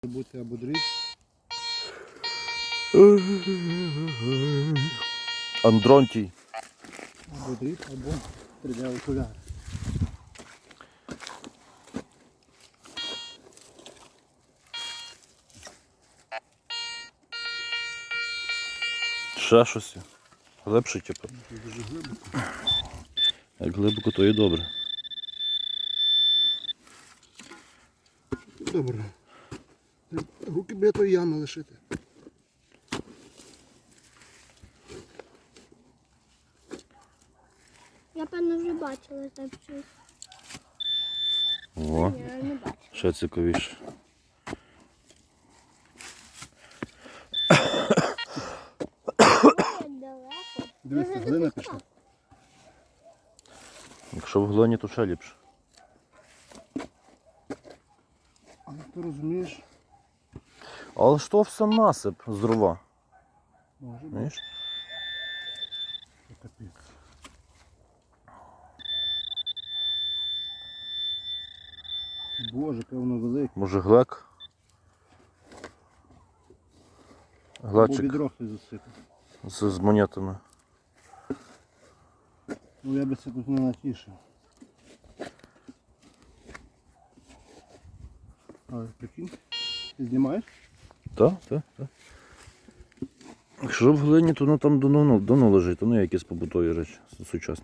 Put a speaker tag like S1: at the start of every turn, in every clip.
S1: Бути або дріб.
S2: Андронтій.
S1: Або дріб, або 3D окуляри.
S2: Ще щось. Глибше, типу.
S1: Дуже глибоко.
S2: Як глибоко, то і добре.
S1: Добре. Руки біля тої ями лишити.
S3: Я, певно, вже бачила там щось.
S2: О,
S3: Ні, я не бачила.
S2: ще цікавіше.
S3: Ой, як далеко.
S1: Дивіться, глина пішла.
S2: Якщо в глині, то ще ліпше.
S1: Але ти розумієш,
S2: Але ж то все насип з дрова.
S1: може бути.
S2: Знаєш?
S1: Що капець. Боже, певно велике.
S2: Може глек?
S1: Або
S2: Глечик
S1: відро хтось засипав.
S2: з монетами.
S1: Ну я би це тут не натішив. Але прикинь, ти знімаєш?
S2: Так, так, так. Якщо в глині, то воно там давно лежить, то не якісь побутові речі сучасні.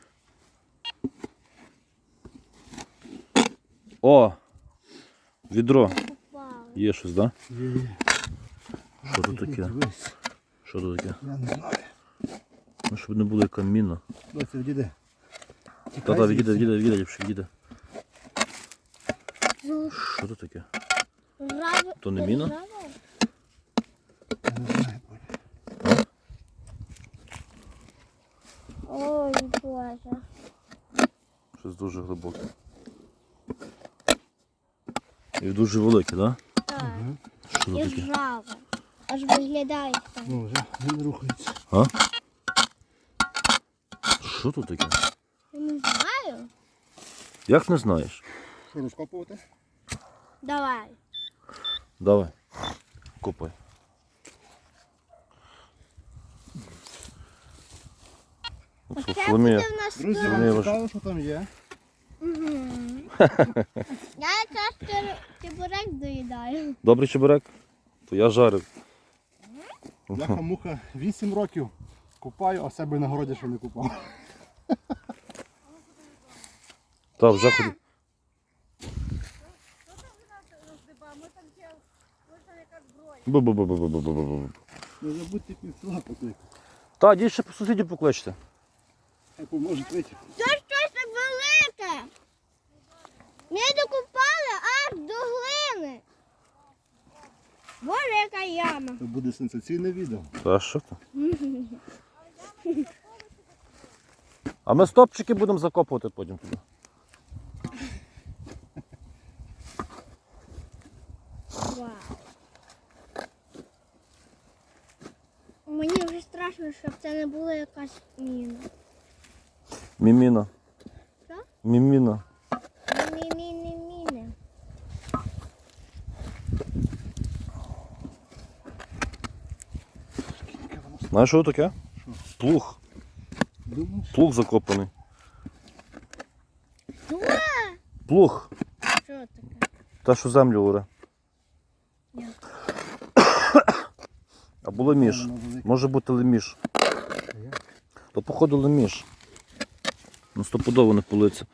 S2: О! Відро.
S3: Вау.
S2: Є щось, так? Да?
S1: Є.
S2: Що тут таке?
S1: Дивись,
S2: Що тут таке?
S1: я не знаю.
S2: Ну, щоб не було яка міна.
S1: Доця, відійди.
S2: Та-та, відійде, ліпше, відійде. Що тут таке?
S3: Жаво.
S2: То не міна?
S3: Жаво?
S1: Я не знаю, Бодя.
S3: Ой, Боже.
S2: Щось дуже глибоке. І дуже велике, так?
S3: Так.
S2: Що
S3: І
S2: тут таке?
S3: жаво. Аж виглядає так.
S1: Ну вже він рухається.
S2: А? Що тут таке?
S3: Я не знаю.
S2: Як не знаєш?
S1: Що, розкопувати?
S3: Давай.
S2: Давай. Копай.
S3: Оце
S2: Соломія.
S3: буде в нас
S1: Друзі,
S3: тут.
S2: Соломія,
S1: вам
S2: ваш-
S1: цікаво, що там є?
S3: Я якраз чебурек доїдаю.
S2: Добрий чебурек? То я жарив.
S1: Бляха-муха 8 років купаю, а себе на городі ще не купав.
S2: Так, вже ходив. Бу-бу-бу-бу-бу-бу-бу-бу.
S1: Не забудьте півсела покликати.
S2: Та, дій ще по сусідів покличте.
S1: Хай поможуть вийти.
S3: Це щось так велике. Ми докупали аж до глини. Боже, яка яма.
S1: Це буде сенсаційне відео.
S2: Та що то? А ми стопчики будемо закопувати потім туди.
S3: Вау. Мені вже страшно, щоб це не була якась міна.
S2: Міміна.
S3: Що?
S2: Міміна.
S3: Міни.
S2: Знаєш, що таке?
S1: Що?
S2: Плуг.
S1: Думаєш?
S2: Плуг закопаний.
S3: Що?
S2: Плуг.
S3: Що таке?
S2: Те, що землю оре.
S3: Як?
S2: Або леміш.
S1: Воно велике.
S2: Може бути леміш.
S1: А як?
S2: То походу леміш. Ну стопудово не политься.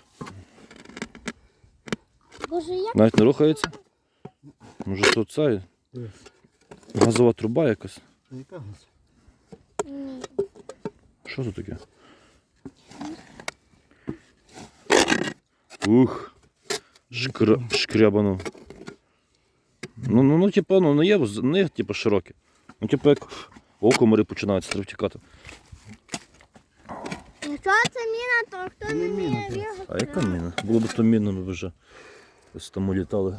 S3: Боже, як?
S2: Навіть не рухається. Може то це
S1: Дивись.
S2: газова труба якась.
S1: Та яка газ?
S3: Ні.
S2: Що це таке? Ух. Шкрябано. Ну, типу, ну, не є типу, широке. Ну, типу, як окомари починаються треба втікати.
S3: Якщо це міна, то хто
S1: Не
S3: не
S1: міна,
S3: вміє
S1: це.
S3: бігати?
S2: А яка міна? Було б то міна, ми б вже ось там улітали.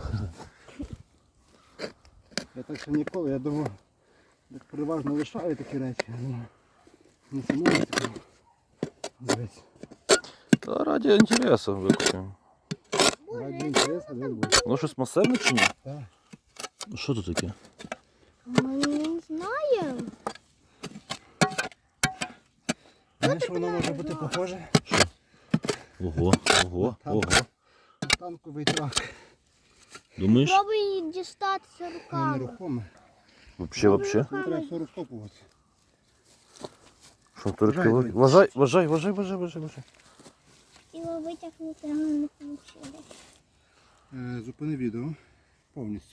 S1: Я так ще ніколи, я думав, як переважно лишаю такі речі. Ну, не самому цікаво. Дивись.
S2: Та раді інтересу викупимо.
S1: Раді інтересу, де буде.
S2: Воно щось масивне чи ні?
S1: Так.
S2: Що тут таке?
S3: Ми не знаємо.
S1: Знаєш, що воно може бути похоже?
S2: Ого, ого, ого.
S1: Танковий трак.
S2: Думаєш?
S3: Пробуй її дістатися
S1: Воно
S3: руками.
S1: нерухоме.
S2: Вообще.
S1: Ну, треба все розкопувати.
S2: Що турки?
S1: Вважай,
S2: Вважай.
S3: Хотіла витягнути, але не вийшло.
S1: Зупини відео повністю.